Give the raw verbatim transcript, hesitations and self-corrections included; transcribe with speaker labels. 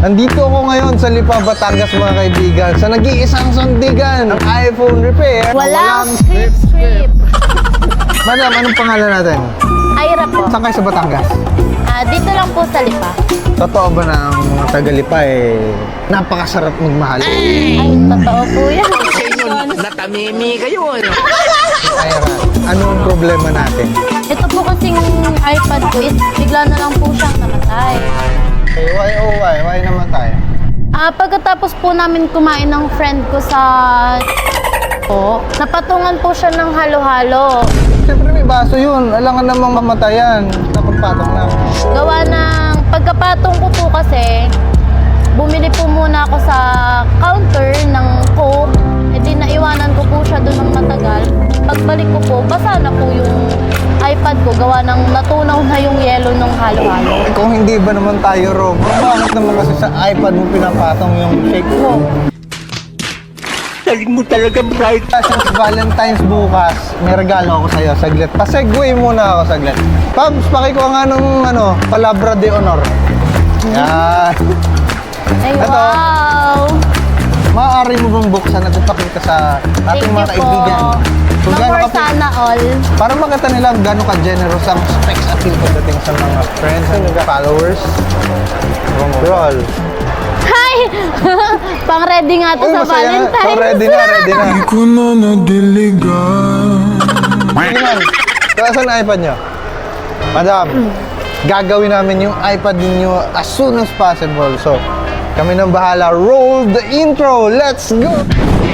Speaker 1: Nandito ako ngayon sa Lipa, Batangas mga kaibigan, sa nag-iisang sandigan ng iPhone repair.
Speaker 2: Walang script script.
Speaker 1: Madam, anong pangalan natin?
Speaker 2: Ira po.
Speaker 1: Saan kayo sa Batangas?
Speaker 2: Ah, dito lang po sa Lipa.
Speaker 1: Totoo ba na ang mga taga-Lipa eh, napakasarap magmahal?
Speaker 2: Ay, totoo po yan.
Speaker 3: Natamimi kayo.
Speaker 1: Ira, anong problema natin?
Speaker 2: Ito po kasing iPad ko is bigla na lang po siyang namatay.
Speaker 1: Okay, why oh why? Why naman tayo?
Speaker 2: Ah, pagkatapos po namin kumain ng friend ko sa po, napatungan po siya ng halo-halo.
Speaker 1: Siyempre may baso yun. Alangan namang mamatayan. Napagpatok na.
Speaker 2: Gawa ng pagkapatong ko po kasi, bumili po muna ako sa counter ng Coke. E di naiwanan ko po siya doon ng matagal. Pagbalik ko po, basa na po yung iPad ko. Gawa ng natunaw na yung yellow ng halo-halo.
Speaker 1: Eh, kung hindi ba naman tayo, Rob? Bakit naman kasi sa iPad mo pinapatong yung shake mo?
Speaker 3: Talig mo talaga bright.
Speaker 1: Since Valentine's bukas, may regalo ako sa'yo. Saglit. Pasegway muna ako saglit. Pabs, pakikuha nga nung ano, palabra de honor. Yan.
Speaker 2: Ay,
Speaker 1: Ito.
Speaker 2: wow!
Speaker 1: Maaari mo bang buksan at ipakita sa
Speaker 2: Thank
Speaker 1: ating
Speaker 2: you
Speaker 1: mga
Speaker 2: po.
Speaker 1: kaibigan? Kung
Speaker 2: No
Speaker 1: gaano
Speaker 2: more
Speaker 1: ka-
Speaker 2: sana all.
Speaker 1: Para makita nila gano'ng ka-generous ang specs appeal pagdating sa mga friends and followers. Roll.
Speaker 2: Hi! Pang ready nga to
Speaker 1: Uy,
Speaker 2: sa
Speaker 1: masaya.
Speaker 2: Valentine's.
Speaker 1: So, ready na, ready na.
Speaker 4: ko na nadiligan.
Speaker 1: Sige man. So, asan ang iPad nyo? Madam, gagawin namin yung iPad ninyo as soon as possible. So, kami nang bahala. Roll the intro. Let's go!